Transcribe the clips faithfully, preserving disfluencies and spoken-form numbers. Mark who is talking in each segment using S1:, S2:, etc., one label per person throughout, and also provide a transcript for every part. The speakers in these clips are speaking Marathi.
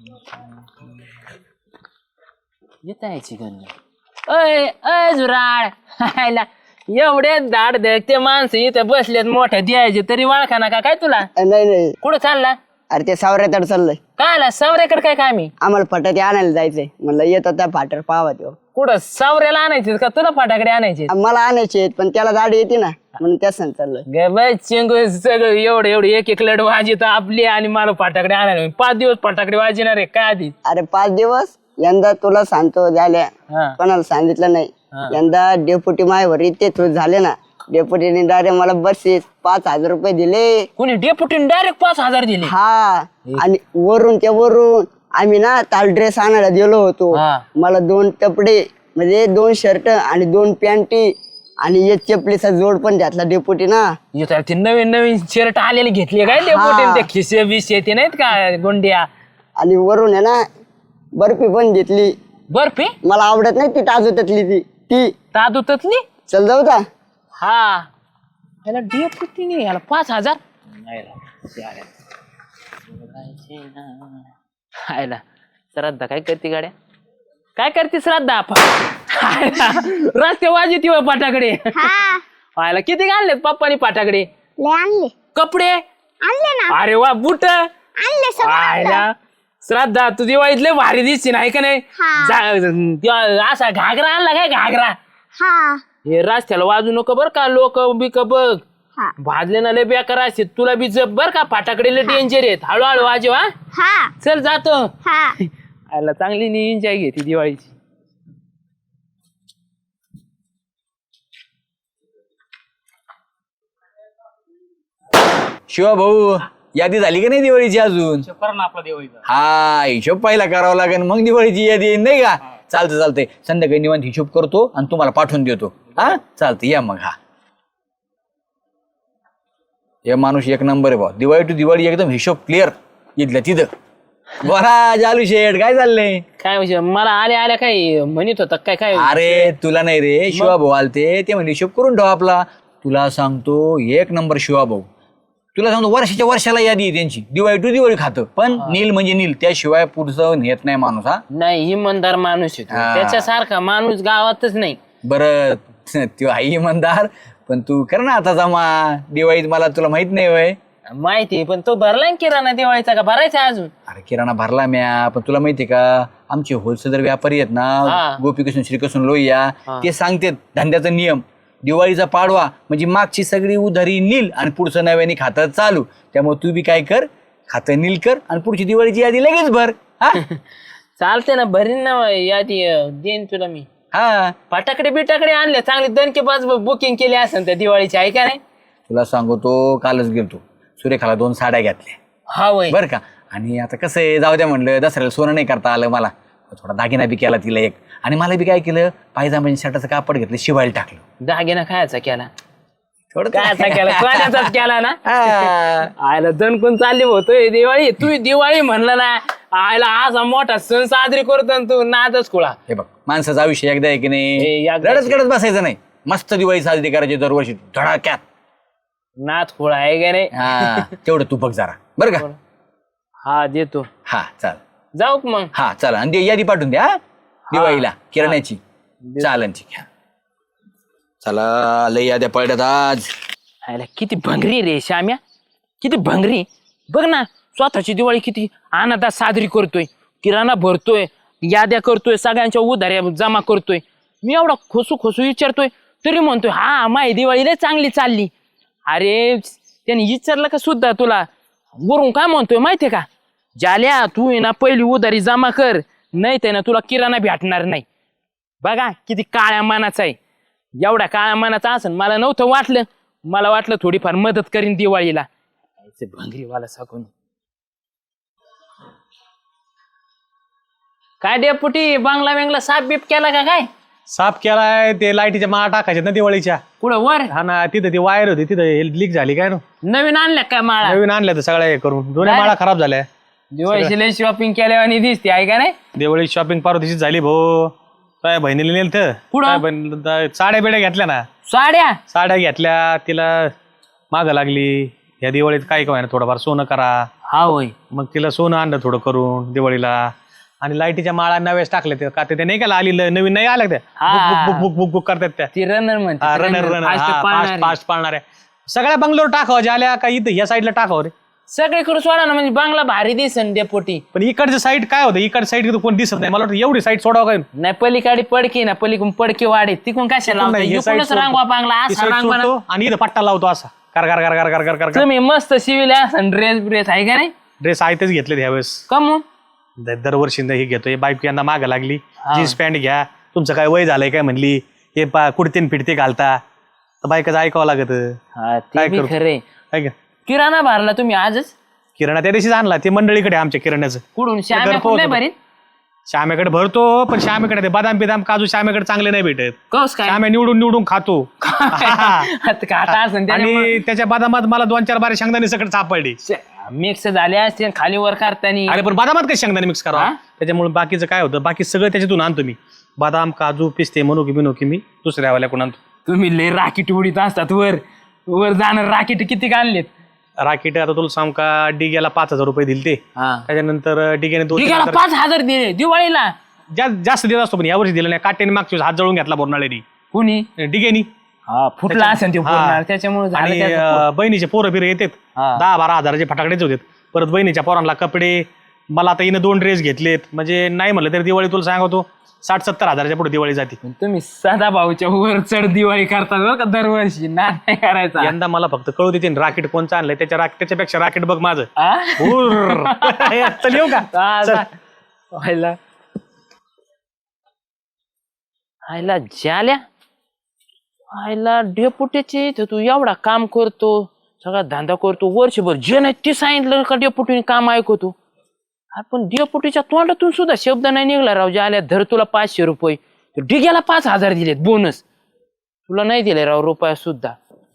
S1: येत यायची गंध. अय अय जुराड एवढे दाड ते माणसं इथे बसलेत मोठ्या द्यायचे तरी वाळखा ना का काय तुला?
S2: नाही नाही
S1: कुठं चालला?
S2: अरे ते सावऱ्याकडे चाललंय.
S1: काय आला सावऱ्याकडे? काय काय मी
S2: आम्हाला फटाके आणायला जायचंय म्हणलं येतो त्या फाटर पाहावा तो.
S1: कुठं सावऱ्याला आणायचे का तुला फटाकडे आणायचे?
S2: मला आणायचे पण त्याला गाडी येते ना म्हणून त्या सण चाललोय.
S1: चिंगू सगळं एवढं एवढं एक एक लढ वाजित आपली आणि मला फटाकडे आणायला पाच दिवस फटाकडे वाजणार आहे काय आधी?
S2: अरे पाच दिवस यंदा तुला सांगतो झाल्या कोणाला सांगितलं नाही. यंदा डेप्युटी मायवर इथे थ्रू झाले ना डेप्युटीने डायरेक्ट मला बक्षीस पाच हजार रुपये दिले.
S1: कोणी डेप्युटीने डायरेक्ट पाच हजार दिले?
S2: हा आणि वरून त्या वरून आम्ही ना ताल ड्रेस आणायला गेलो होतो. मला दोन कपडे म्हणजे दोन शर्ट आणि दोन पॅन्टी आणि एक चपलीचा जोड पण घातला डेप्युटी ना.
S1: ते नवीन नवीन शर्ट आलेले घेतले काय डेप्युटीने? ते खिसे बिसे ते नाहीत का गोंड्या? आणि
S2: वरून आहे ना बर्फी पण घेतली.
S1: बर्फी
S2: मला आवडत नाही ती ताजूतली ती ती
S1: ताजूतली. चल
S2: जाऊ का?
S1: हा याला डेप्युटीने याला पाच हजार आयला. श्रद्धा काय करते गाड्या? काय करते श्रद्धा? रस्ते वाजत पाटाकडे आयला. किती घाललेत पप्पानी पाटाकडे?
S3: आणले
S1: कपडे
S3: आणले ना.
S1: अरे वा बुट
S3: आणले
S1: आयला. श्रद्धा तू दिवाळीत लय भारी दिसते नाही का नाही? असा घागरा आणला काय? घागरा
S3: हा
S1: हे रस्त्याला वाजू नको बर का? लोक बिक बघ भाजले ना लय बेकार असते. तुला बी जप बर का? फाटाकडे लय डेंजर आहेत. हळूहळू वाजव. हा चल जातो. आयला चांगली एन्जॉय घेते दिवाळीची.
S4: शिवा भाऊ यादी झाली का नाही दिवाळीची अजून?
S1: आपला दिवाळीचा
S4: हा हिशोब पहिला करावा लागेल मग दिवाळीची यादी येईल नाही का? चालतं चालतंय संध्याकाळी निवांत हिशोब करतो आणि तुम्हाला पाठवून देतो. हा चालतं या मग. हा हे माणूस एक नंबर आहे भाऊ. दिवाळी टू दिवाळी एकदम हिशोब क्लिअर इथल्या तिथं. बरा जालू शेठ काय चाललंय?
S1: काय म्हणजे मला आल्या आल्या काय म्हणत होता काय? काय
S4: अरे तुला नाही रे शिवा भाऊ आलते ते म्हणजे हिशोब करून ठेवा आपला. तुला सांगतो एक नंबर शिवा भाऊ. तुला सांगतो वर्षाच्या वर्षाला यादी आहे त्यांची. दिवाळी टू दिवाळी खातं पण नील म्हणजे नील त्याशिवाय पुढचं नेत नाही माणूस. हा
S1: नाही इमानदार माणूस आहे त्याच्यासारखा माणूस गावातच नाही.
S4: बरं तू आई इमानदार पण तू कर ना आता जमा दिवाळीत. मला तुला माहित नाही वय?
S1: माहिती पण तो भरला किराणा दिवाळीचा का भरायचा अजून?
S4: अरे किराणा भरला म्या पण तुला माहितीये का आमचे होलसेलर व्यापारी आहेत ना गोपीकृष्ण श्रीकृष्ण लोहिया ते सांगतात धंद्याचा नियम. दिवाळीचा पाडवा म्हणजे मागची सगळी उधारी नील आणि पुढचं नव्याने खातं चालू. त्यामुळे तू बी काय कर खातं नील कर आणि पुढची दिवाळीची यादी लगेच भर. हा
S1: चालते ना भरीन ना यादी देईन तुला मी.
S4: हा
S1: फटाकडे बिटाकडे आणले चांगले दणके पाच बुकिंग केली असेल त्या दिवाळीची आहे का नाही?
S4: तुला सांगतो कालच गेलतो सुरेखाला दोन साड्या घेतल्या.
S1: हा वय
S4: बरं का? आणि आता कसं आहे जाऊ द्या म्हणलं दसऱ्याला सोनं नाही करता आलं मला. थोडा दागिना बी केला तिला एक आणि मला बी काय केलं पायजामा शर्टाचं कापड घेतलं शिवायला टाकलं.
S1: दागिना खायचा केला? थोडं कायचा केला? कोणाचाच केला ना? आयला दणकून चालली होतोय दिवाळी. तू दिवाळी म्हणलं ना आयला असा मोठा सण साजरी करतो तू नादच खुळा.
S4: हे बघ माणसाचा आयुष्य एकदा आहे की नाही
S1: एकदा
S4: रडत रडत बसायचं नाही. मस्त दिवाळी साजरी करायची दरवर्षी धडाक्यात.
S1: नाद खुळा आहे का नाही?
S4: हा तेवढं तू बघ जरा बरं का?
S1: हा देतो.
S4: हा चाल
S1: जाऊ मग.
S4: हा चला आणि ते यादी पाठवून द्या दिवाळीला किराण्याची चालनची. चला लय याद्या पडल्यात आज.
S1: आयला किती भंगरी रे श्याम्या किती भंगरी. बघ ना स्वतःची दिवाळी किती आनंदात साजरी करतोय. किराणा भरतोय याद्या करतोय सगळ्यांच्या उधाऱ्या जमा करतोय. मी एवढा खोसू खोसू विचारतोय तरी म्हणतोय हा माही दिवाळी लय चांगली चालली. अरे त्याने विचारलं का सुद्धा तुला वरून काय म्हणतोय माहितीये का? जाल्या तू ना पहिली उधारी जमा कर नाही ते ना तुला किराणा भेटणार नाही. बघा किती काळ्या मानाचा आहे. एवढा काळ्या मानाचा असेल मला नव्हतं वाटलं. मला वाटलं थोडीफार मदत करीन दिवाळीला. भंगरीवाला सांगून काय डेपुटी बांगला बेंगला साफ बीप केला का काय?
S5: साफ केलाय ते लाईटीच्या माळा टाकायच्या ना दिवाळीच्या.
S1: कुठं वर?
S5: हा ना तिथं ती वायर होती तिथं लीक झाली काय ना
S1: नवीन आणल्या काय माळा?
S5: नवीन आणल्या तर सगळ्या हे करून दोन्ही माळा खराब झाल्या.
S1: दिवाळीची लय शॉपिंग केल्या आणि दिसते आहे का नाही?
S5: दिवाळी शॉपिंग पार्वतीची झाली भाऊ. काय बहिणीला नेल तर साड्या बिड्या घेतल्या ना.
S1: साड्या
S5: साड्या घेतल्या तिला माग लागली या दिवाळीत काय काय थोडंफार सोनं करा.
S1: हा होय.
S5: मग तिला सोनं आणलं थोडं करून दिवाळीला. आणि लाईटीच्या माळा नव्याच टाकल्या त्या का ते नाही का आली ल- नवीन नाही आल्या त्या
S1: हा.
S5: Book book book book book करतात त्या
S1: ती रनर म्हणते
S5: रनर रनर फास्ट फास्ट पाळणाऱ्या सगळ्या बंगलोर टाकावं ज्याला का इथं या साईडला टाकावं रे.
S1: सगळीकडे सोडा ना म्हणजे बांगला भारी दिसन डेपोटी.
S5: पण इकडचं साईड काय होतं इकडच्या साईड कोण दिसत नाही मला वाटतं एवढी साईड सोडावं काय
S1: नाही पलीकडे पडकी ना पलीकडून पडकी वाढे तिकडून कशाला
S5: नाही, हे side
S1: लावता रांगवा बांगला
S5: ती
S1: असा
S5: side
S1: रांगवा ना.
S5: सोडतो आणि इथं पट्टा लावतो असा कर कर कर कर कर कर कर
S1: तुम्ही मस्त शिविले असन ड्रेस ब्रेस आहे का नाही
S5: ड्रेस आहे तेच घेतले ह्यावेळेस
S1: कमू
S5: द- दरवर्षी हे घेतोय बाईक यांना मागं लागली जीन्स पॅन्ट घ्या तुमचं काय वय झालंय काय म्हणली हे पा कुडतीन फिडते घालता तर बायकाचं ऐकावं लागत
S1: हा ते
S5: काय
S1: बी
S5: करू?
S1: खरे.
S5: काय का
S1: किराणा भरला तुम्ही आजच
S5: किराणा त्या दिवशीच आणला ते मंडळीकडे आमच्या किराण्याचं
S1: कुठून श्याम्या
S5: घरपोच
S1: कुठं नाही
S5: होतं.
S1: भरीत
S5: श्यामेकडे भरतो पण श्यामेकडे ते बदाम बिदाम काजू श्यामेकडे चांगले नाही भेटत
S1: कस काय
S5: श्यामे निवडून निवडून खातो
S1: आता काटा असन त्याने
S5: आणि त्याच्या बदामात मला दोन चार बारे शेंगदाणे सगळं सापडली
S1: मिक्स झाले असते खाली वर करताना.
S5: अरे पण बदामात काही शेंगदाणे मिक्स करा
S1: हा?
S5: त्याच्यामुळे बाकीचं काय होतं बाकी सगळं त्याच्यातून आणतो मी बदाम काजू पिस्ते मनोकी बिनोकी मी दुसऱ्या वाल्याकडून आणतो.
S1: तुम्ही लय राकीट उडीत असतात वर वर जाणार राकीट किती आणलेत.
S5: राकीट आता तुला सांग का डिग्याला पाच हजार रुपये दिले ते त्याच्यानंतर डिग्याने दोन
S1: ठीक आहे पाच हजार दिले दिवाळीला.
S5: जा- जास्त देत असतो पण यावर्षी दिलं नाही काट्याने मागच्या वेळेस हात जळून घेतला बोरनाळ्यानी
S1: कुणी
S5: डिगेनी
S1: फुटला असेल ते पूर्ण. त्याच्यामुळे झालं
S5: आणि
S1: त्याचं.
S5: अं, बहिणीचे पोरं बिरं येतात
S1: हा.
S5: दहा बारा हजाराचे फटाकडेच होते परत बहिणीच्या पोरांना कपडे मला आता हिनं दोन ड्रेस घेतलेत म्हणजे नाही म्हणलं तरी दिवाळी तुला सांगतो साठ सत्तर हजाराच्या पुढे दिवाळी जाते.
S1: तुम्ही सदा भाऊच्या वर चढ दिवाळी करतात बरं का दरवर्षी ना नाही करायचा.
S5: यंदा मला फक्त कळू देते राकेट कोणचं आणलंय त्याच्या राक- त्याच्यापेक्षा राकेट बघ माझं
S1: आ?
S5: हुर्र. चल येऊ का
S1: चा-
S5: चल.
S1: चा. व्हायला व्हायला झाल्या व्हायला डेपुटीचे इथं तू एवढा काम करतो सगळा धंदा करतो वर्षभर जे नाही ते सांगितलं का डेपुटीने काम ऐकवतो. आपण डेपुटीच्या तोंडातून सुद्धा शब्द नाही निघला राव ज्याला धर तुला पाचशे रुपये डिग्याला पाच हजार दिलेत बोनस तुला नाही दिले राव रुपया सुद्धा.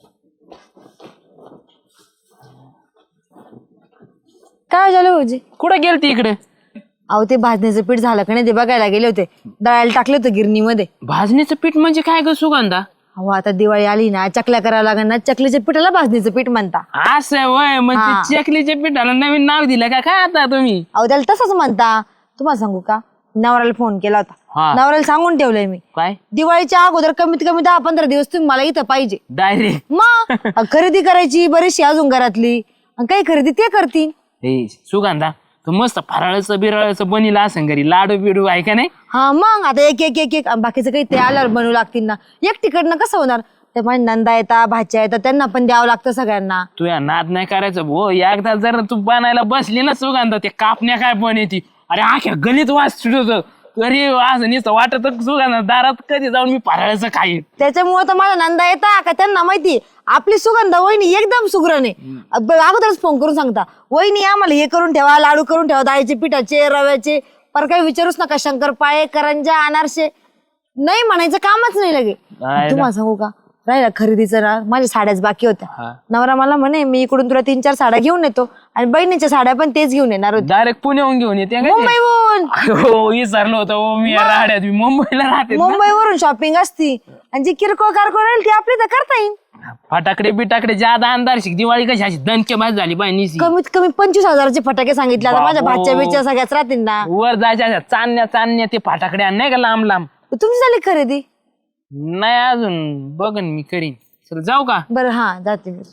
S6: काय झालं भाऊजी?
S1: कुठं गेलती इकडे
S6: अहो ते भाजणीचं पीठ झालं का नाही ते बघायला गेले होते दळायला टाकले होते गिरणीमध्ये.
S1: भाजणीचं पीठ म्हणजे काय ग सुगंधा.
S6: अहो आता दिवाळी आली ना चकल्या करायला लागेल ना चकलीच्या पिठाला भाजणीचं पीठ म्हणता.
S1: असं वय म्हणजे चकलीच्या पिठाला नवीन नाव दिलं का काय आता तुम्ही.
S6: अहो त्याला तसंच म्हणता. तुम्हाला सांगू का नवऱ्याला फोन केला होता
S1: हा.
S6: नवऱ्याला सांगून ठेवलंय मी
S1: काय
S6: दिवाळीच्या अगोदर कमीत कमी दहा पंधरा दिवस तुम्ही मला इथं पाहिजे.
S1: डायरेक्ट
S6: मग खरेदी करायची बरीचशी अजून घरातली आणि काही खरेदी ते करतील.
S1: हे सुगंधा तू मस्त फराळाचं बिराळाचं बनीला असं घरी लाडू बिडू आहे का नाही.
S6: हा मग आता एक एक एक एक आणि बाकीचं काही ते आल्यावर बनवू लागतील ना एकटीकडनं कसं होणार. ते माझ्या नंदा येतात भाच्या येतात त्यांना पण द्यावं लागतं सगळ्यांना.
S1: तू या नाद नाही करायचं भो एकदा जर तू बनायला बसली ना सुगंधा ते कापण्या काय पण येते अरे आख्या गणित वाच सुटत अरे असं नुसतं वाटत सुगंधा दारात कधी जाऊन मी फराळाचं खाईन.
S6: त्याच्यामुळे तर माझ्या नंदा येता का त्यांना माहिती आपली सुगंधा वहिनी एकदम सुग्रण आहे. अब- अगोदरच फोन करून सांगता वहिनी आम्हाला हे करून ठेवा लाडू करून ठेवा डाळीचे पिठाचे रव्याचे पर काही विचारूच नका शंकरपाळे करंजा अनारसे नाही म्हणायचं कामच नाही लगे.
S1: नाही
S6: तुम्हाला सांगू का राहिला खरेदीचं ना माझ्या साड्याच बाकी
S1: हा.
S6: होत्या. नवरा मला म्हणे मी इकडून तुला तीन चार साड्या घेऊन येतो आणि बहिणीच्या साड्या पण तेच घेऊन येणार होते
S1: डायरेक्ट पुण्याहून घेऊन येते का ते?
S6: मुंबईहून.
S1: हो विसरलो होतो हो, मी या राहड्यात मी मुंबईला राहते ना.
S6: मुंबईवरून शॉपिंग असती आणि जी किरकोळ कारकोळ राहील ती आपली तर करता येईल.
S1: फटाकडे बिटाकडे ज्यादा अंधार शिक दिवाळी कशी अशी दणके बाज झाली बाई निसी
S6: कमीत कमी पंचवीस हजाराचे फटाके सांगितले आता माझ्या
S1: बाबो.
S6: भाच्या बिच्या सगळ्याच राहतील ना.
S1: वर जायच्या अशा चांदण्या चांदण्या ते फटाकडे आण नाही का लांब लांब.
S6: तुमची झाली खरेदी?
S1: नाही अजून बघन मी करीन. चल जाऊ का
S6: बरं हा जाते मी.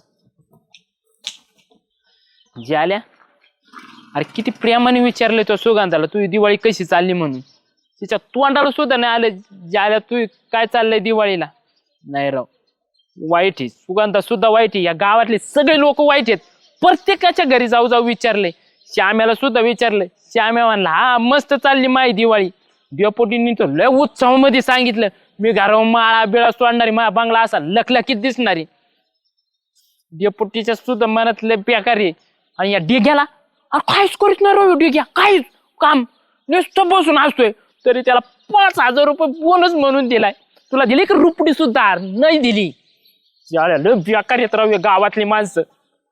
S1: ज्याल्या अरे किती प्रेमाने विचारले तो सुगंधाला तू दिवाळी कशी चालली म्हणून तिच्या तोंडाला सुद्धा नाही आलं ज्याल्या तू काय चाललंय दिवाळीला. नाही राव वाईट आहे सुगंधा सुद्धा वाईट आहे या गावातले सगळे लोक वाईट आहेत. प्रत्येकाच्या घरी जाऊ जाऊ विचारले श्याम्याला सुद्धा विचारलं श्याम्या म्हणला हा मस्त चालली माई दिवाळी. डेपोटींनी तर लय उत्सवामध्ये सांगितलं मी घरावर माळा बिळा सोडणारी मा बंगला असा लखलखीत दिसणारी. डेपोटीच्या सुद्धा मनात लय बेकार आहे. आणि या डिग्याला अरे काहीच करीत नाही राव डिग्या काहीच काम नुसतं बसून असतोय तरी त्याला पाच हजार रुपये बोनस म्हणून दिलाय. तुला दिली की रुपडी सुद्धा नाही दिली. लय बेकार येत राहू गावातली माणसं.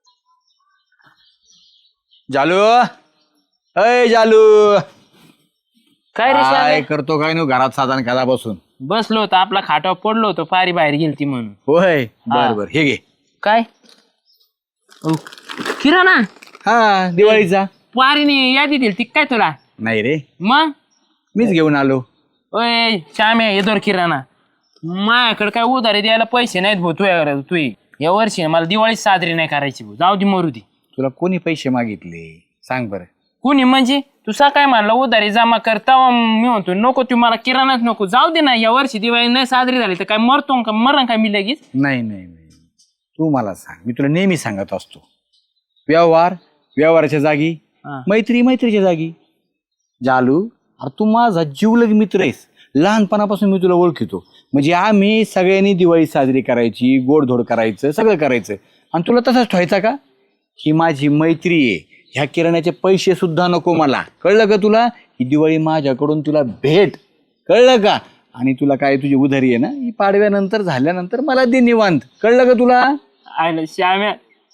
S4: जालू अय जालू
S1: काय रे
S4: काय
S1: श्यामे?
S4: करतो काय नु घरात साधारण कदा बसून
S1: बसलो होतो आपला खाटावर पडलो होतो पारी बाहेर गेलती म्हणून.
S4: होय बर बर हे घे
S1: काय अहो, किराणा
S4: हा दिवाळीचा.
S1: पारीने यादी दिली ती काय तुला?
S4: नाही रे,
S1: मग
S4: मीच घेऊन आलो.
S1: ओय श्याम्या हे दोर किराणा माझ्याकडे काय उधारी द्यायला पैसे नाहीत भाऊ. तू तू या वर्षी मला दिवाळी साजरी नाही करायची भाऊ. जाऊ दे मरू दे.
S4: तुला कोणी पैसे मागितले सांग बरं?
S1: कुणी म्हणजे तू काय म्हणला उधारी जमा करता मी म्हणतो नको तू मला किराणाच नको. जाऊ दे ना या वर्षी दिवाळी नाही साजरी झाली तर काय मरतो का मरण काय मी लगेच?
S4: नाही नाही नाही, तू मला सांग. मी तुला नेहमी सांगत असतो व्यवहार व्यवहाराच्या जागी, मैत्री मैत्रीच्या जागी. जालू अरे तू माझा जीवलग मित्र आहेस. लहानपणापासून मी तुला ओळखितो. म्हणजे आम्ही सगळ्यांनी दिवाळी साजरी करायची, गोडधोड करायचं, सगळं करायचं. आणि तुला तसंच ठेवायचा का? ही माझी मैत्री आहे. ह्या किराण्याचे पैसे सुद्धा नको मला. कळलं का तुला? ही दिवाळी माझ्याकडून तुला भेट. कळलं का? आणि तुला काय तुझी उधारी आहे ना ही पाडव्यानंतर झाल्यानंतर मला दे निवांत. कळलं का तुला?
S1: आयला श्याम्या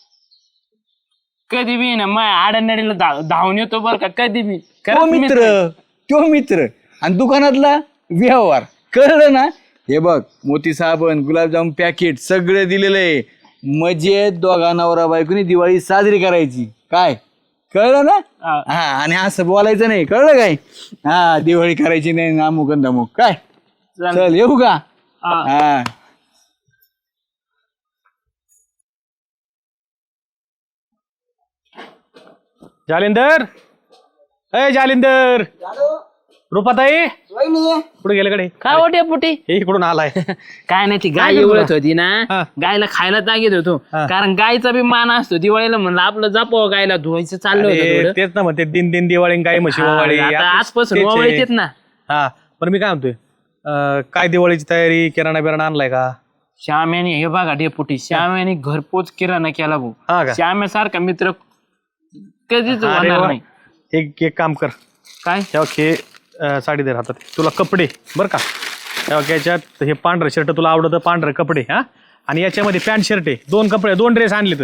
S1: कधी बी ना माझ्या आडनडीला धाव धावून येतो बरं का कधी बी.
S4: तो मित्र तो मित्र आणि दुकानातला व्यवहार. कळलं ना? हे बघ मोती साबण, गुलाबजाम पॅकेट सगळं दिलेलं आहे. मजेत दोघा नवरा बायकोनी दिवाळी साजरी करायची. काय कळलं ना? हा आणि असं बोलायचं नाही. कळलं काय? हा दिवाळी करायची नाही अमुक आणि धमुक. काय चल येऊ का? हा
S5: जालिंदर, अय जालिंदर, रुपाताई कुठे गेले कडे?
S1: काय वाटे पुटी
S5: हे इकडून आलाय.
S1: काय नाही ती गाय एवढत होती ना गायला खायला तागीत होतो. कारण गायचा बी मान असतो दिवाळीला म्हणलं आपलं जापव गायला धुवायचं चाललं होतं.
S5: तेच ना म्हणते दिन दिन दिवाळी गाय म्हशी ओवाळी.
S1: आता आजपासून ओवाळीत ना.
S5: हा पण मी काय म्हणतोय अं, काय दिवाळीची तयारी किराणा बिराणा आणलाय का?
S1: श्याम्याने हे बघा डेपुटी श्याम्याने घरपोच किराणा केला भाऊ.
S5: हा का?
S1: श्याम्यासारखा मित्र कधीच
S5: अरे
S1: होणार
S5: वा.
S1: नाही.
S5: एक एक काम कर,
S1: काय
S5: तेव्हा हे अं, साडी दे हातात. तुला कपडे बरं का, तेव्हा याच्यात हे पांढरं शर्ट तुला आवडतं, पांढरे कपडे हा. आणि याच्यामध्ये पॅन्ट शर्ट आहे, दोन कपडे दोन ड्रेस आणले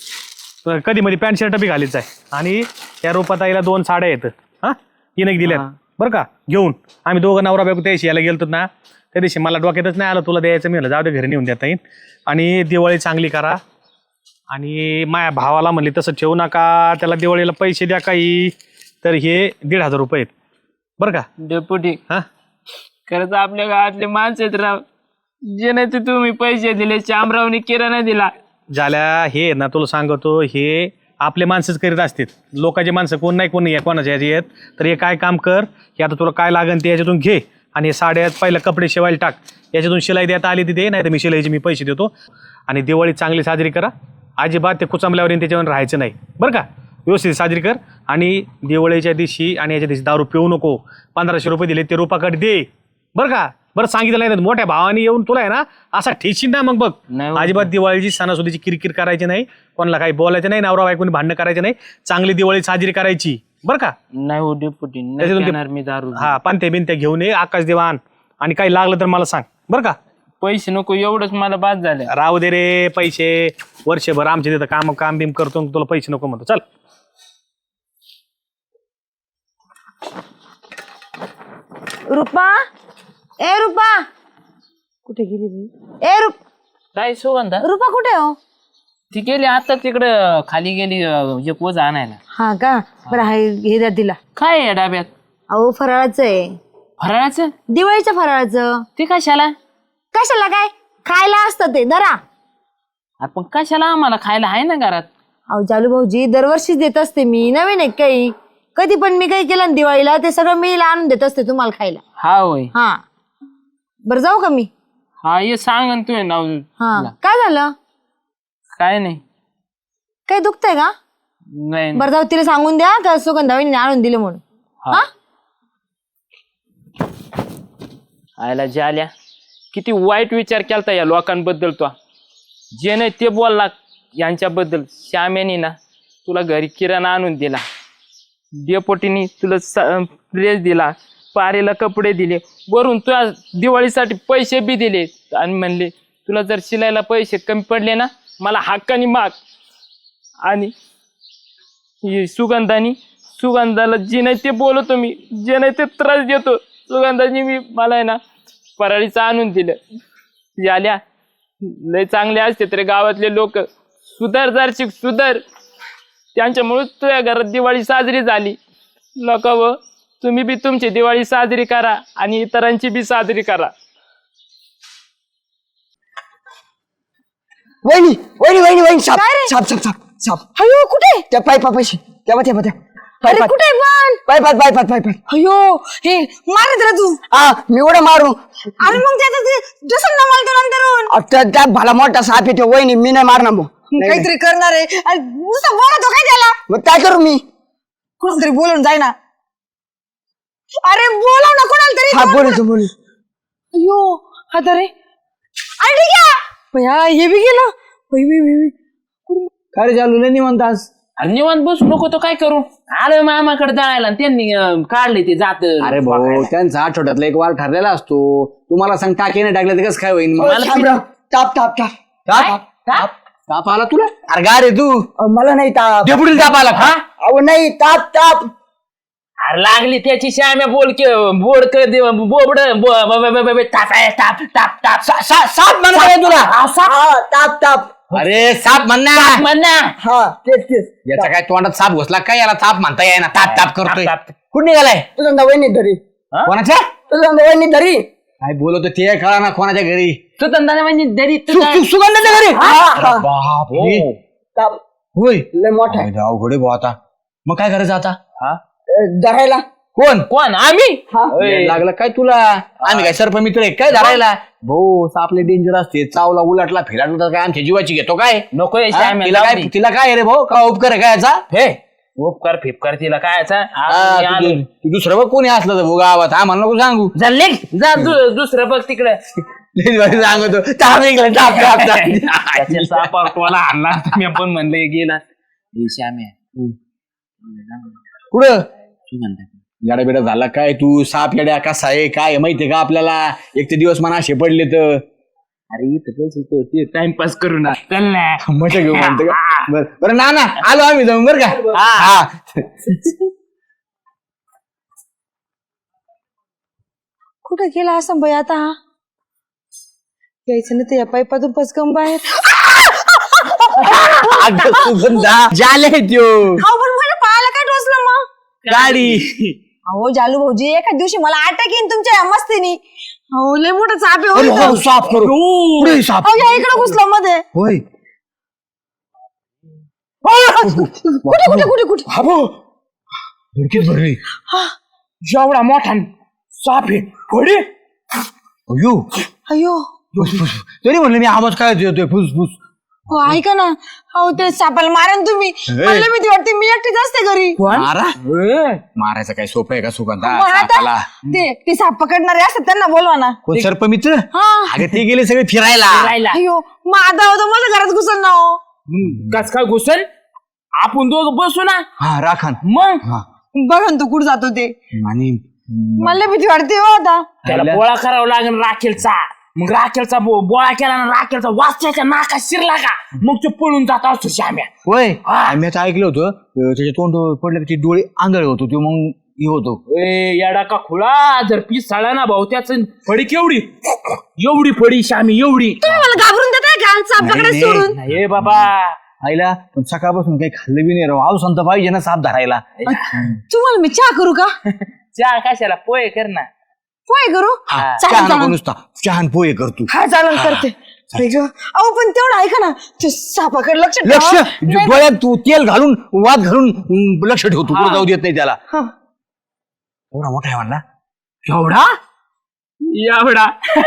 S5: तर कधी मध्ये पॅन्ट शर्ट बी घालीच आहे. आणि या रूपाताईला दोन साड्या आहेत हा हिने दिल्यात बरं का घेऊन. आम्ही दोघं नवरा बायको त्याशी यायला गेलतो ना त्या दिवशी मला डोक्यातच नाही आलं तुला द्यायचं. मी म्हणलं जाऊ दे घरी नेऊन देता येईल. आणि दिवाळी चांगली करा. आणि माझ्या भावाला म्हणले तसं ठेवू नका, त्याला दिवाळीला पैसे द्या काही. तर हे दीड हजार रुपये आहेत बरं का
S1: डेपुटी.
S5: हा
S1: खरंच आपल्या गावातले माणसं आहेत राव. जे नाही ते तुम्ही पैसे दिले शामरावने किराणा दिला.
S5: झाल्या हे ना तुला सांगतो हे आपले माणसंच करीत असतात. लोकांचे माणसं कोण नाही कोण नाही कोणाच्या ह्याची आहेत. तर हे काय काम कर हे आता तुला काय लागेल ते याच्यातून घे. आणि हे साड्यात पहिलं कपडे शिवायला टाक. याच्यातून शिलाई देता आली तिथे नाही तर मी शिलाईचे मी पैसे देतो. आणि दिवाळी चांगली साजरी करा. अजिबात ते कुचांबल्यावर त्याच्यावर राहायचं नाही बरं का. व्यवस्थित साजरी कर. आणि दिवाळीच्या दिवशी आणि याच्या दिवशी दारू पिऊ नको. पंधराशे रुपये दिले ते रुपाकडे दे बरं का. बरं सांगितलं नाही तर मोठ्या भावाने येऊन तुला आहे ना असा ठेशील ना मग बघ. अजिबात दिवाळीची सणासुदीची किरकिर करायची नाही. कोणाला काही बोलायचं नाही. नवरा बायकोनी भांडणं करायचं नाही. चांगली दिवाळी साजरी करायची बरं का.
S1: नाही हो डेपुटी मी दारू.
S5: हा पानते बिनते घेऊन ये आकाश देवान. आणि काही लागलं तर मला सांग बरं का.
S1: पैसे नको एवढंच मला बाद झालं.
S5: राहू दे रे पैसे. वर्षभर आमच्या तिथं काम काम बिम करतो तुला पैसे नको म्हणतो. चल
S6: रुपा, ए रुपा कुठे गेली बाई? ए रुप
S1: काय सुगंधा
S6: रुपा कुठे हो?
S1: ती गेली आता तिकडं खाली गेली अं, एक वज आणायला.
S6: हा का बरं हाय हे द्या तिला.
S1: काय आहे या डाब्यात?
S6: अहो फराळाचं आहे,
S1: फराळाचं.
S6: दिवाळीच्या फराळाचं.
S1: ते कशाला?
S6: कशाला काय खायला असतं ते धरा.
S1: आपण कशाला आम्हाला खायला आहे ना घरात.
S6: अहो जालू भाऊजी दरवर्षीच देत असते मी. नवीन आहे काही कधी पण मी काही केलं ना दिवाळीला ते सगळं मी आणून देत असते तुम्हाला खायला.
S1: हा होय.
S6: हा बरं जाऊ का मी?
S1: हा ये सांग ना तू नाव.
S6: हा काय झालं?
S1: काय नाही
S6: काही दुखतंय का?
S1: नाही
S6: बरं जाऊ तिला सांगून द्या का सुगंधाबाईने आणून दिले म्हणून.
S1: हा. आयला जाल्या किती वाईट विचार केलता या लोकांबद्दल. तो जे नाही ते बोलला यांच्याबद्दल. श्याम्यानी ना तुला घरी किराणा आणून दिला. डेपोटीनी तुला ड्रेस दिला. पारेला कपडे दिले. वरून तुला दिवाळीसाठी पैसे बी दिले. आणि म्हणले तुला जर शिलायला पैसे कमी पडले ना मला हक्कानी माग. आणि सुगंधानी सुगंधाला जे नाही ते बोलतो मी. जे नाही ते त्रास देतो. सुगंधानी मी मला आहे ना फराळीचं आणून दिलं. झाल्या लय चांगले असते तर गावातले लोक. सुधार जरशी सुधार. त्यांच्यामुळे तुझ्या घरात दिवाळी साजरी झाली. नका व तुम्ही बी तुमची दिवाळी साजरी करा आणि इतरांची बी साजरी करा.
S2: वहिनी वहिनी वहिनी वहिनी साप साप साप साप साप
S6: अयो कुठे
S2: त्या पायपा पैसे तेव्हा तेव्हा त्या
S6: अरे कुठे पण
S2: पायपात पायपात पायपात
S6: अयो हे मार त्याला तू.
S2: हा मी उड्या मारू
S6: अरे मग त्याचं ते जसं ना मला तो नंतरून
S2: आता त्या भला मोठा साप येतो वहिनी मी नाही मारणार मग
S6: काहीतरी करणार आहे. अरे नुसतं बोलतो काय त्याला.
S2: मग काय करू मी
S6: कोणाला तरी बोलून जाय ना. अरे बोलव ना कोणाला तरी.
S2: हा बोलतो बोल
S6: अयो आता रे अरे ठीक आहे भया हे बी गेलं. बाई, बाई, बाई, बाई.
S4: काय रे चालू नाही म्हणतास?
S1: अरे निवांत बसू नको तो काय करू. आलं मामाकडे जायला आणि त्यांनी अं, काढले ते जात.
S4: अरे भाऊ त्यांचा आठवड्यातला एक वार ठरलेला असतो. तुम्हाला सांग टाकीने टाकलं तर कसं काय होईल मग?
S2: शामराव, ताप ताप ताप
S4: ताप ताप ताप आला तुला? अरे गा रे तू
S2: अहो, मला नाही ताप
S4: डेपुटील ताप आला का?
S2: अहो नाही ताप ताप
S1: अरे लागली त्याची श्याम्या बोल के बोड बोबड ताप आहे, ताप ताप ताप
S4: सा- सा- साप म्हणा काय तुला?
S2: हा ताप ताप
S4: अरे साप म्हणणार
S1: म्हण ना.
S2: हा तेच तेच
S4: याच्या काय तोंडात साप घुसला काय याला ताप म्हणता येईना ताप ताप करतोय.
S1: ताप, ताप.
S4: कुठं निघालाय?
S2: तुझा वहिनी धरी
S4: कोणाच्या?
S2: तुझा वहिनी धरी
S4: काय बोलतो ते कळा ना कोणाच्या घरी?
S1: तू धंदा म्हणजे दरी
S4: सु- सु- सुगंधाच्या घरी?
S2: हा, हा.
S4: बापरे.
S2: ताप
S4: होय
S2: लय मोठा आहे.
S4: अरे, अवघड आहे भाऊ आता. मग काय करायचं आता?
S2: अ, धरायला
S4: कोण
S1: कोण आम्ही
S2: हा
S4: वेड लागलं काय तुला? आम्ही काय सर्प मित्र आहे काय धरायला? भाऊ सापले डेंजर असते. चावला उलटला फिराटला तर काय आमच्या जीवाची घेतो काय?
S1: नको हे
S4: हा?
S1: श्याम्या,
S4: तिला
S1: जाऊ
S4: काय
S1: दे.
S4: तिला काय आहे रे भाऊ? का उपकार आहे काय याचा?
S1: हे उपकार फिपकार तिला काय
S4: हा, तू- तू दुसरं बघ कोणी असलं तर भाऊ गावात आम्हाला नको सांगू.
S1: झाले जा दु- दुसरं बघ तिकडे
S4: लई भारी सांगतो ताप निघाला, ताप, ताप, ताप.
S1: सापाला आणला मी पण म्हणलं गेला श्याम्या
S4: कुठं याडा बेडा झाला काय तू? साप येड्या कसा आहे काय माहितीये का आपल्याला? एक ते दिवस मना असे पडले तर
S1: अरे इथं बसतो ते टाइमपास करू ना चल ना
S4: मजा घेऊ म्हणतो का? बरं बरं ना ना आलो आम्ही जाऊन बरं का? हा
S6: कुठं गेला असं बाई आता. यायचं ना ते या पाईपातून पचकम बाहेर.
S4: अगं सुगंधा जाले त्यो
S6: अहो पण माझ्या पायाला काय टोचलं मग.
S4: गाडी.
S6: अहो जालू भाऊजी एका दिवशी मला अटॅक येईन तुमच्या या मस्तीनी. अहो लय मोठा चाप आहे हो
S4: अरे,
S6: इथं.
S4: हो, साप करू पुढे साप.
S6: अहो या इकडे घुसलं मध्ये.
S4: होय
S6: कुठे कुठे कुठे कुठे
S4: हाबो धडकीत भरली.
S1: जेवढा मोठा साप आहे थोडी
S4: अयो
S6: अयो
S4: फुस फुस तरी म्हणलं मी आवाज काय येतोय फुस फुस.
S6: हो ऐका ना. अहो ते सापाला मारेन तुम्ही. मला भीती वाटते मी एकटीच असते घरी.
S4: मारा मारायचं काय सोपं आहे का सुगंधा?
S6: मग आता
S4: सापाला
S6: ते ते साप पकडणारे असतात त्यांना बोलवा ना.
S4: कोण सर्प मित्र?
S6: हा
S4: अगं ते गेले सगळे फिरायला.
S1: राहिला
S6: अयो मग आता होतं मला घरात घुसल ना हो.
S1: कस काय घुसल आपण दोघं बसू ना
S4: हा राखण.
S1: मग
S4: हा
S6: बघा ना तो कुठं जातो ते.
S4: आणि
S6: मला भीती वाटते हो आता.
S1: त्याला बोळा करावा लागेल राखेलचा. मग राखेलचा बो- बोळा केला ना राखेलचा वास त्याच्या नाका शिरला का मग तो पळून जात असतो श्याम्या.
S4: होय आम्ही आता ऐकलं होतं अं, त्याचे तोंड पडलं की डोळे आंधळे होतो तो मग हे होतो.
S1: ए येडा का खुळा जर पीस साळा ना भाऊ त्याच फडी केवढी एवढी फडी श्यामी एवढी.
S6: तुम्ही मला घाबरून देताय का साप
S4: नाही,
S6: पकडायला
S4: नाही.
S6: सोडून.
S1: हे बाबा
S4: आईला पण सकाळपासून काही खाल्लं बी नाही राव. आव संत पाहिजे ना साप धरायला.
S6: तुम्हाला मी चहा करू का.
S1: चहा कशाला पोहे कर ना.
S6: पोहे करू
S4: हा,
S6: चालेल,
S4: चहा नको
S6: चालेल.
S4: नुसता चहान पोहे करतो.
S6: हा चालेल करते. बाई गं. अहो पण तेवढं ऐका ना ते सापाकडे लक्ष ठेवा.
S4: लक्ष
S6: नाही-
S4: डोळ्यात तू तेल घालून वाद घालून अं, लक्ष ठेवतो पुढे जाऊ देत नाही त्याला.
S6: हा.
S4: एवढा मोठा आहे म्हणला
S1: एवढा एवढा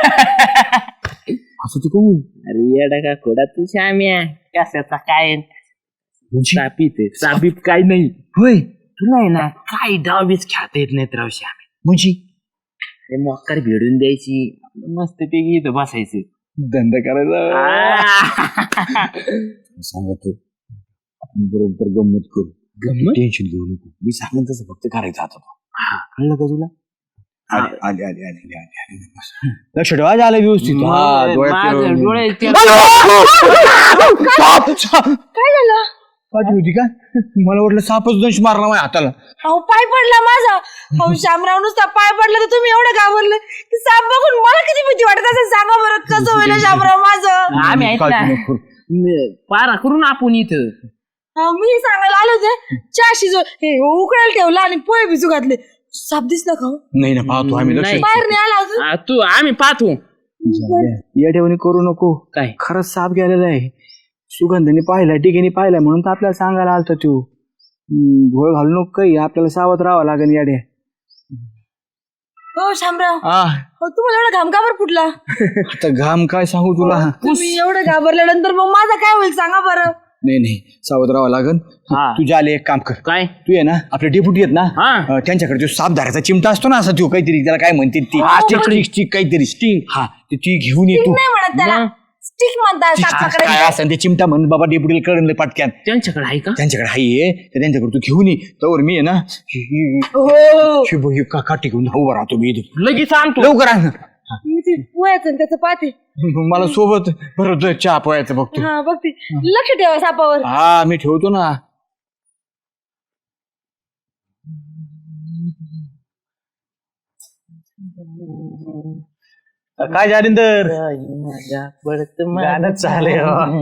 S4: असं तू कहू.
S1: अरे येडा का खोडा तू श्याम्या कशाचा काय सापीत आहे सापीत काय नाही.
S4: होय
S1: तुला आहे ना काय डावीच खेळता येत नाहीत राव श्याम्या.
S4: म्हणजे
S1: ते मोक्कार भिडून द्यायची मस्त पैकी इथं बसायचं.
S4: धंदा करायचा
S1: आ.
S4: सांगतो आपण बरोबर गंमत करू. टेन्शन घेऊ नको. मी सांगेन तसं फक्त करायचं आता तो. कळलं का तुला? आले आले आले आले आले आले. लक्ष ठेवा झालं व्यवस्थित. हा, डोळ्यात
S1: माझं
S4: तेल-
S1: डोळे ते-
S4: साप, साप.
S6: काय झालं.
S4: पाठी होती का? मला वाटलं सापच दंश मारला माझ्या हाताला.
S6: अहो पाय पडला माझा. अहो शामराव नुसता पाय पडला तर तुम्ही एवढं घाबरले की साप बघून मला किती भीती वाटत असेल सांगा बरं कसं होईल शामराव माझं.
S1: आम्ही आहेत ना
S4: काळजी नको.
S1: म- पारा करू ना आपण इथं.
S6: हा, मी सांगायला आले होते चहा शिजव हे उकळायला ठेवलं आणि पोहे भिजू घातले. साप दिसला का हो?
S4: नाही ना पाहतो आम्ही लक्ष
S1: नाही.
S6: बाहेर नाही आला अजून.
S1: आ, तू आम्ही पाहतो
S4: या ठेवणी करू नको.
S1: काय
S4: खरंच साप गेलेला आहे. सुगंधीने पाहिला टिकेने पाहिला म्हणून तर आपल्याला सांगायला आलता तो. हम्म, घोळ घालू नको काही आपल्याला सावध राहावं लागेल याडे.
S6: हो शामराव,
S4: आ,
S6: हो तुम्हाला एवढा घाम का बरं फुटला?
S4: आता घाम काय सांगू तुला.
S6: तुम्ही एवढं घाबरल्यानंतर मग माझं काय होईल सांगा बरं.
S4: नाही नाही सावध राहावं लागेल.
S1: हा.
S4: तू जाले एक काम कर.
S1: काय
S4: तू आहे ना आपले डेप्युटी आहेत ना
S1: हा.
S4: अं, त्यांच्याकडे जो साप धरायचा चिमटा असतो ना असा तो काहीतरी त्याला काय म्हणते ती स्टिक स्टिक काहीतरी स्टिंग हा ते ती घेऊन ये तू.
S6: नाही म्हणत त्याला, स्टिक म्हणतात साप पकडायला.
S4: काय असं ते चिमटा म्हणून बाबा डेप्युटीला कळलं पटक्यान.
S1: त्यांच्याकडे आहे का?
S4: त्यांच्याकडे हाय तर त्यांच्याकडे तू घेऊन ये तर मी आहे ना हि- हि-
S6: हो
S4: हि बघ, हि का काठी घेऊन उभा राहतो मी इथं.
S1: लगेच आणतो.
S4: लवकर आण.
S6: मी ते पोह्याचं आणि त्याचं पाहते.
S4: मला सोबत बरं चहा पोहायचं बघतो.
S6: हा बघते, लक्ष ठेवा सापावर.
S4: हा मी ठेवतो ना.
S5: काय जालिंदर
S1: काय
S5: गाणं चाले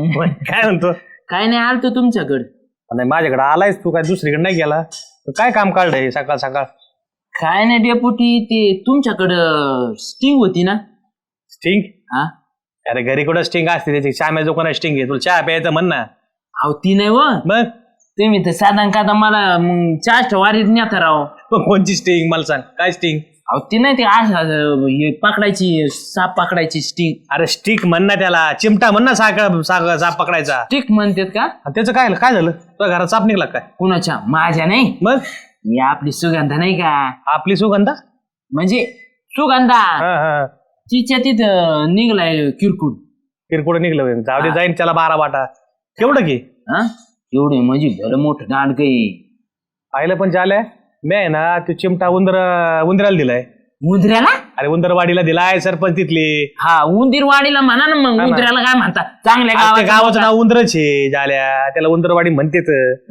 S5: काय म्हणतो.
S1: नाही आलतो तुमच्याकडे.
S5: नाही माझ्याकडे आलायस तू काय दुसरीकडे नाही गेला. तर काय काम काढलंय सकाळ सकाळ.
S1: काय नाही डेपुटी ते तुमच्याकडं स्टिंग होती ना.
S5: स्टिंग.
S1: हा
S5: अरे घरी कुठं स्टिंग असते त्याची श्याम्या जो कोणा स्टिंग आहे तुला चहा प्यायचं म्हण ना.
S1: अहो ती नाही व
S5: मग
S1: तुम्ही तर साधारण का मला मग चाष्ट वारीत नेता राव.
S5: मग कोणची स्टिंग मला सांग काय स्टिंग.
S1: अहो ती नाही ते असं हे पकडायची साप पकडायची स्टिंग.
S5: अरे स्टिक म्हण ना त्याला. चिमटा म्हण ना साखर साखर साप पकडायचा.
S1: स्टिक म्हणतात का?
S5: आणि त्याचं काय काय झालं तुझ्या घरात साप निघला काय.
S1: कुणाच्या? माझ्या नाही.
S5: मग
S1: ही आपली सुगंधा नाही का,
S5: आपली सुगंधा.
S1: म्हणजे सुगंधा
S5: हा हा
S1: तिच्या तिथं निघलाय किरकुट.
S5: किरकोळ निघलं जाऊ दे जाईन त्याला बारा वाटा केवढं की.
S1: हा एवढे म्हणजे भलं मोठं दांड काही.
S5: पाहिलं पण झालंय मी आहे ना तो चिमटा उंदर उंदराला दिलाय.
S1: उंदऱ्याला?
S5: अरे उंदरवाडीला दिलाय सरपंच तिथली.
S1: हा उंदीरवाडीला म्हणा ना मग.
S5: ना.
S1: उंदऱ्याला काय म्हणतात? चांगल्या
S5: आज त्या
S1: गावात
S5: गावाचं नाव उंदरच आहे झाल्या त्याला उंदरवाडी म्हणतेच.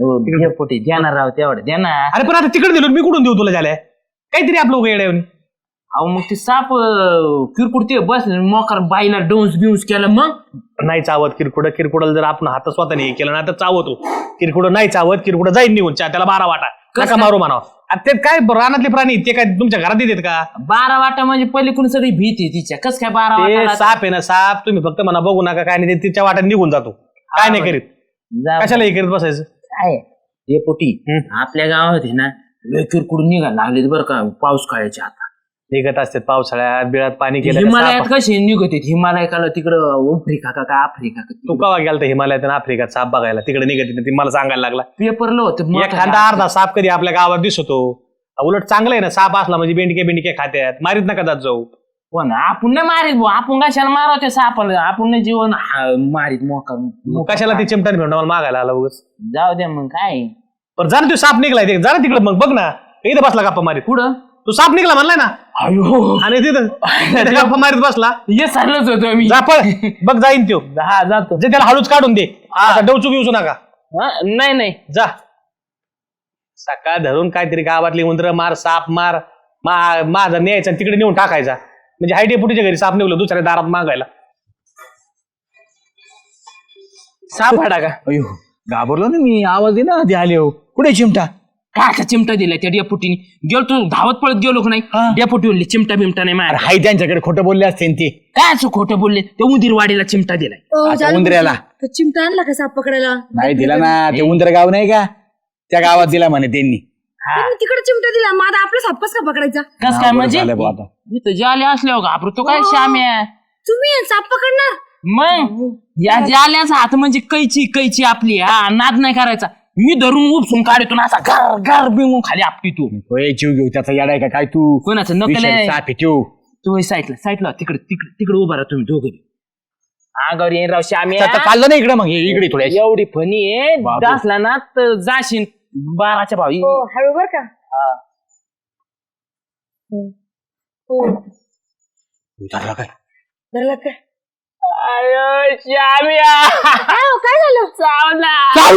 S1: पोटी देणार राव तेवढं देणार.
S5: अरे पण आता तिकडे दिलो मी कुठून देऊ तुला झाल्या काहीतरी आपलं उगा येड्या येऊन.
S1: अहो मग ते साप अं, किरकुट ते बस मोकार बाईला डोंस बिऊस केलं मग.
S5: नाही चावत किरकुड किरकुडाला जर आपण हात स्वतःने हे केलं ना तर चावतो. किरकुड नाही चावत किरकुड जाईन निघून चा त्याला बारा वाटा नका मारू म्हणावं. ते काय रानातले प्राणी ते काय तुमच्या घरात येतात का.
S1: बारा वाटा म्हणजे पलीकडून सगळी भीती तिच्या. कस काय बारा
S5: ते
S1: वाटा?
S5: साप आहे ना साप तुम्ही फक्त म्हणा बघू नका काय नाही ते तिच्या वाट्यात निघून जातो. काय नाही करीत कशाला हे करीत बसायचं.
S1: काय हे पोटी आपल्या गावात आहे ना लय किरकुट निघायला लागले बरं का पाऊस काळाच्या आता.
S5: निघत असतात पावसाळ्यात बिळात पाणी केलं का
S1: हिमालयात
S5: साप-
S1: कसे निघत हिमालयाला तिकडं आफ्रिका का का आफ्रिका का
S5: तू कवा गेला तर हिमालयात आणि आफ्रिकात साप बघायला तिकडे निघत ती मला सांगायला लागला.
S1: पेपरला होतं मोठं
S5: एखादा अर्धा साप कधी आपल्या गावात दिसतो. उलट चांगलं आहे ना साप असला म्हणजे बेंडके बेंडके खात्यात मारीत नका जात जाऊ.
S1: हो ना आपण नाही मारीत भाऊ. आपण कशाला मारवते सापाला? आपण नाही जीवन हा- मारीत मोका.
S5: मग कशाला ते चिमटाने भेटून मला मागायला आला उगाच.
S1: जाऊ दे मग काय.
S5: पण जा ना तू साप निघलाय ते जा ना तिकडे मग बघ ना इथं बसला गप्पा मारीत.
S1: पुढं
S5: तू साप निघला म्हणलाय ना
S1: अयो
S5: आणि तिथं तिथं गप्पा मारीत बसला.
S1: हे सरलच होतो मी.
S5: जा पळ बघ जाईन त्यो.
S1: हा जातो.
S5: जे त्याला हळूच काढून दे. आता डवचूक येऊ नका.
S1: हा, नाही नाही
S5: जा सकाळ धरून काहीतरी गावातली उंदर मार साप मार मा- माझा न्यायचा आणि तिकडे नेऊन टाकायचा म्हणजे हायडे पुटीच्या घरी साप निघलं दुसऱ्या दारात मागायला.
S1: साप हाडा का?
S4: अयो घाबरलो ना मी आवाज दे ना आधी आले हो. कुठे चिमटा.
S1: काय का चिमटा दिलाय त्या डेपुटीने? गेलो तू धावत पळत गेलो का नाही? डेपुटी बोलले चिमटा बिमटा नाही मार.
S4: हाय त्यांच्याकडे खोटं बोलले असते ते.
S1: काय असं खोटं बोलले? ते उंदीरवाडीला चिमटा दिलाय.
S6: ओ,
S4: आता
S6: झालं
S4: उंदऱ्याला.
S6: तो चिमटा आणला का साप पकडायला?
S4: नाही दिला ना ते उंदर गाव नाही का त्या गावात दिला म्हणे त्यांनी.
S6: त्यांनी तिकडे चिमटा दिला मग आता आपला साप कसा पकडायचा?
S1: कस काय म्हणजे?
S4: झालं बुवा आता.
S1: इथं जाले असल्यावर घाबरू तो काय श्याम्या.
S6: तुम्ही साप पकडणार?
S1: मग या जाल्याचा हात म्हणजे कैची कैची आपली. हा नाद नाही करायचा. मी धरून उपसून काढतो ना असा गार गार बिंगून खाली आपटी तू.
S4: होय जीव घेऊ त्याचा येडाय का काय तू.
S1: कोणाचं नकल
S4: विषय
S1: आहे?
S4: साप आहे त्यो.
S1: तू साईडला साईडला तिकडे तिकडे तिकडे उभा राहा तुम्ही दोघं. आगावर येईन राव श्याम्या.
S4: आता चाललं नाही इकडे मग हे इकडे थोड्या.
S1: एवढी फनी आहे
S4: बाबू.
S1: दासला ना तर जाशील बाराच्या भावी.
S6: हो हळू बर का. हो
S4: झालं काय.
S6: धरला काय?
S1: अयो श्याम्या
S6: काय हो, काय झालं?
S1: चावला.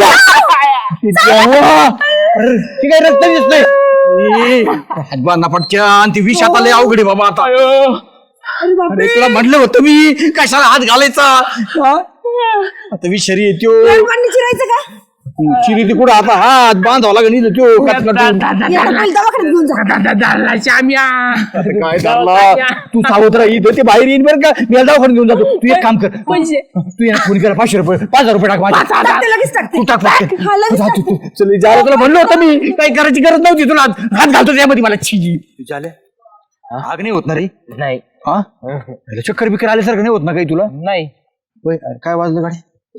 S4: ती काय रक्त दिसतंय. हातबांना पटक्या आणि ती विष आता लय अवघड आहे बाबा आता.
S6: अरे बाप
S4: अरे तुला म्हटलं होतं मी कशाला हात घालायचा. हा? आता विषारी येतो.
S6: पाणी चिरायचं का?
S4: चिरी ती कुठं आता हात बांधावा लागेल तो
S6: या, पहिले दवाखान्यात घेऊन जा.
S1: श्याम्या
S4: काय झाला तू सावध राहा इथं ते बाहेर येईन बरं का मी याला दवाखान्यात घेऊन जातो तू एक काम कर तू या फोन करा पाचशे रुपये पाच हजार रुपये टाक माझे
S6: टाकते, लगेच टाकते.
S4: तू टाक पाचशे.
S6: हा, लगेच
S4: जा तू, तू. चल जा तुला म्हणलं होतं मी काही करायची गरज नव्हती तुला हात घालतो त्यामध्ये मला छिजी झाल्या आग नाही होत ना रे
S1: नाही
S4: हा चक्कर बिक्कर आल्यासारखं नाही होत ना काही तुला
S1: नाही
S4: होय, अरे काय वाजलं गाडी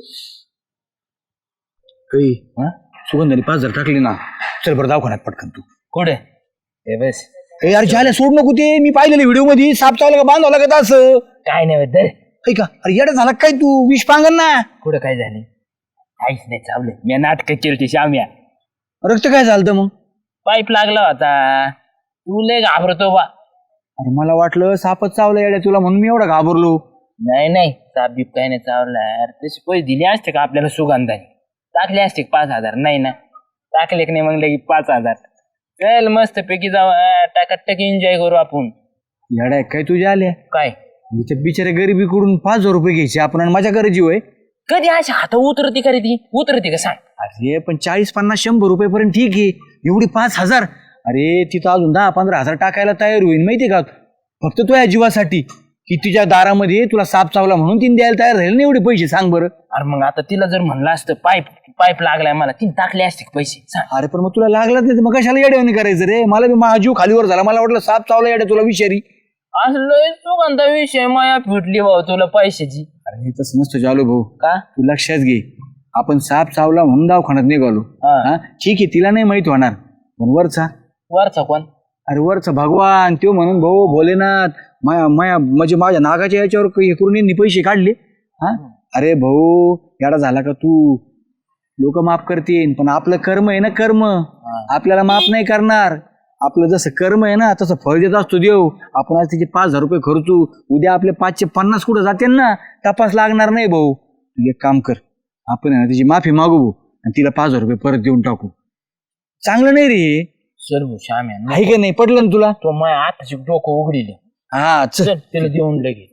S4: काही हा सुगंधाने पाच हजार टाकले ना चल बरं दवाखान्यात पटकन तू
S1: कुठे हे बस
S4: ए यार झाल्या सोड नको ते मी पाहिलेलं व्हिडिओ मध्ये साप चावला का बांधवला का असं
S1: काय नाही दर
S4: ऐका अरे येडा झाला काय तू विष पांगन ना
S1: कुठं काय झालं काहीच नाही चावलं मी नाटक केली श्याम्या
S4: रक्त काय झालं मग
S1: पाईप लागला होता तू लय घाबरतो बा
S4: अरे मला वाटलं सापच चावलं येड्या तुला म्हणून मी एवढा घाबरलो
S1: नाही नाही साप बीप काही नाही चावला यार तसे पैसे दिले असते का आपल्याला सुगंधाने टाकले असते का पाच हजार नाही ना टाकले की नाही मग लगे पाच हजार चल मस्त पैकी जाऊ टाकाटक एन्जॉय करू आपण
S4: येड्या काय तुझ्या आल्या
S1: काय
S4: त्या बिचाऱ्या गरिबीकडून पाच हजार रुपये घ्यायचे आपण आणि माझ्या घरी जीव आहे
S1: कधी अशी हात उतरती का रे ती उतरती का सांग
S4: अरे पण चाळीस पन्नास शंभर रुपयेपर्यंत ठीक आहे एवढी पाच हजार अरे तिथं अजून दहा पंधरा हजार टाकायला तयार होईल माहितीये का फक्त तो या जीवासाठी की तुझ्या दारामध्ये तुला साप चावला म्हणून तिने द्यायला तयार राहील ना एवढे पैसे सांग बरं
S1: अरे मग आता तिला जर म्हणलं असतं पाईप पाईप लागलाय मला तिने टाकले असते का पैसे सांग
S4: अरे पण मग तुला लागलाच नाही तर मग कशाला येड्यावानी करायचं रे मला बी माझा जीव खालीवर झाला मला वाटलं साप चावला येड्या तुला विषारी
S1: असं लय सुगंधा विषय माया फिटली भाऊ तुला पैशाची
S4: अरे तसं नसतं जालो भाऊ
S1: का
S4: तू लक्षात घे आपण साप चावला म्हणून दवाखान्यात निघालो
S1: हा.
S4: हा ठीक आहे तिला नाही माहित होणार पण वरचा
S1: वरचा कोण
S4: अरे वरचा भगवान त्यो म्हणून भाऊ भोलेनाथ माया माया म्हणजे माझ्या नागाच्या याच्यावर हे करून यांनी पैसे काढले हा अरे भाऊ याडा झाला का तू लोक माफ करतील पण आपलं कर्म आहे ना कर्म आपल्याला माफ नाही करणार आपलं जसं कर्म आहे ना तसं फळ देत असतो देव आपण आज तिचे पाच हजार रुपये खर्चू उद्या आपले पाचशे पन्नास कुठं जाते ना तपास लागणार नाही भाऊ तू एक काम कर आपण आहे ना तिची माफी मागू भाऊ आणि तिला पाच हजार रुपये परत देऊन टाकू चांगलं नाही रे
S1: चल भाऊ श्याम्या
S4: आहे का नाही पटलं ना तुला
S1: तो माया आताची डोकं उघडील
S4: हा चल
S1: चल तिला देऊन लगे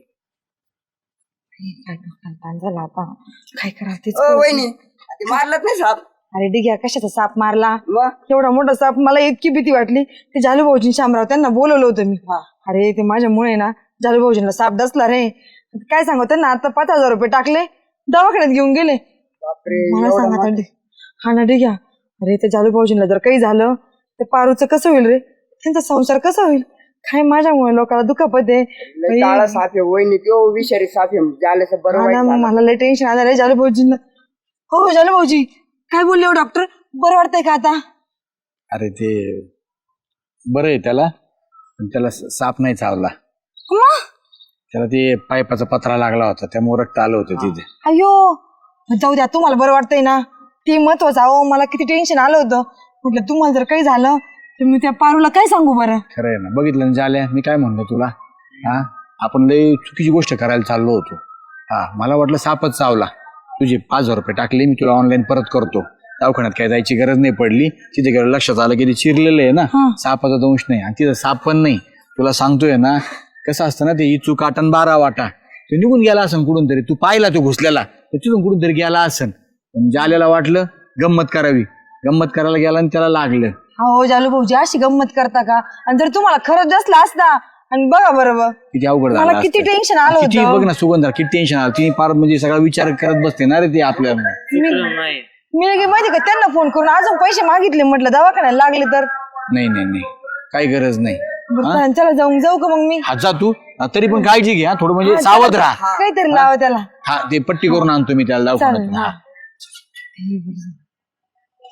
S6: झालं आता काय करावं तेच
S2: ओ, वहिनी ते मारलंच नाही साप
S6: अरे डिग्या कशाचा साप मारला
S2: मग
S6: एवढा मोठा साप मला इतकी भीती वाटली ते जालू भाऊजी शामराव त्यांना बोलवलं होतं मी अरे ते माझ्यामुळे ना जालू भाऊजींना साप डसला रे काय सांगू त्यांना आता पाच हजार रुपये टाकले दवाखान्यात घेऊन गेले मला सांगा आता हा ना डिग्या अरे ते जालू भाऊजींना जर काही झालं तर पारूचं कसं होईल रे त्यांचा संसार कसा होईल काय माझ्यामुळे लोकांना दुखापत आहे
S2: काळा साप आहे वहिनी तो विषारी साप आहे झाल्याचं बरं
S6: हा
S2: वाईट
S6: ना,
S2: झालं.
S6: मला लय टेन्शन आलं रे जालू भाऊजींना हो जालू भाऊजी काय बोलले हो डॉक्टर बरं वाटतंय का आता
S4: अरे ते बरं आहे त्याला पण त्याला स- साप नाही चावला
S6: मग
S4: त्याला ते पाईपाचा पत्रा लागला होता त्यामुळे रक्त आलं होतं तिथे
S6: अयो जाऊ द्या तुम्हाला बरं वाटतंय ना ते महत्वाचं अहो मला किती टेन्शन आलं होतं म्हटलं तुम्हाला जर काही झालं तर मी त्या पारूला काय सांगू बरं
S4: खरं आहे ना बघितलं ना झाल्या मी काय म्हणलो तुला हा आपण लई चुकीची गोष्ट करायला चाललो होतो हा मला वाटलं सापच चावला तुझे पाच हजार रुपये टाकले मी तुला ऑनलाईन परत करतो दवाखान्यात काय जायची गरज नाही पडली तिथे गेलं लक्षात आलं की ते चिरलेलं आहे ना सापाचा दंश नाही आणि तिथं साप पण नाही तुला सांगतोय ना कसं असतं ना ते इचू काटन बारा वाटा तो निघून गेला असन कुठून तरी तू पाहिला तो घुसलेला तर तिथून कुठून तरी गेला असन पण जाल्याला वाटलं गंमत करावी गंमत करायला गेला आणि त्याला लागलं
S6: हो जालू भाऊजी अशी गंमत करता का आणि जर तुम्हाला खरंच असला असता आणि बघा बरोबर
S4: किती अवघड
S6: मला
S4: झालं
S6: किती
S4: असतं.
S6: टेन्शन आलं
S4: किती
S6: होतं
S4: बघ ना सुगंधा किती टेन्शन आलं तिने फार म्हणजे सगळा विचार करत बसते ना रे ते आपल्या
S6: मी लगे माहिती का त्यांना फोन करून अजून पैसे मागितले म्हटलं दवाखान्याला लागले तर
S4: नाही नाही नाही काही गरज नाही
S6: बरं, चला चला जाऊन जाऊ का मग मी
S4: हा जा तू हा, तरी पण काळजी घे हा थोडं म्हणजे सावध राहा
S6: काहीतरी लावा त्याला
S4: हा ते पट्टी करून आणतो मी त्याला
S6: चालेल
S4: दवाखान्यात
S6: हा
S4: हा.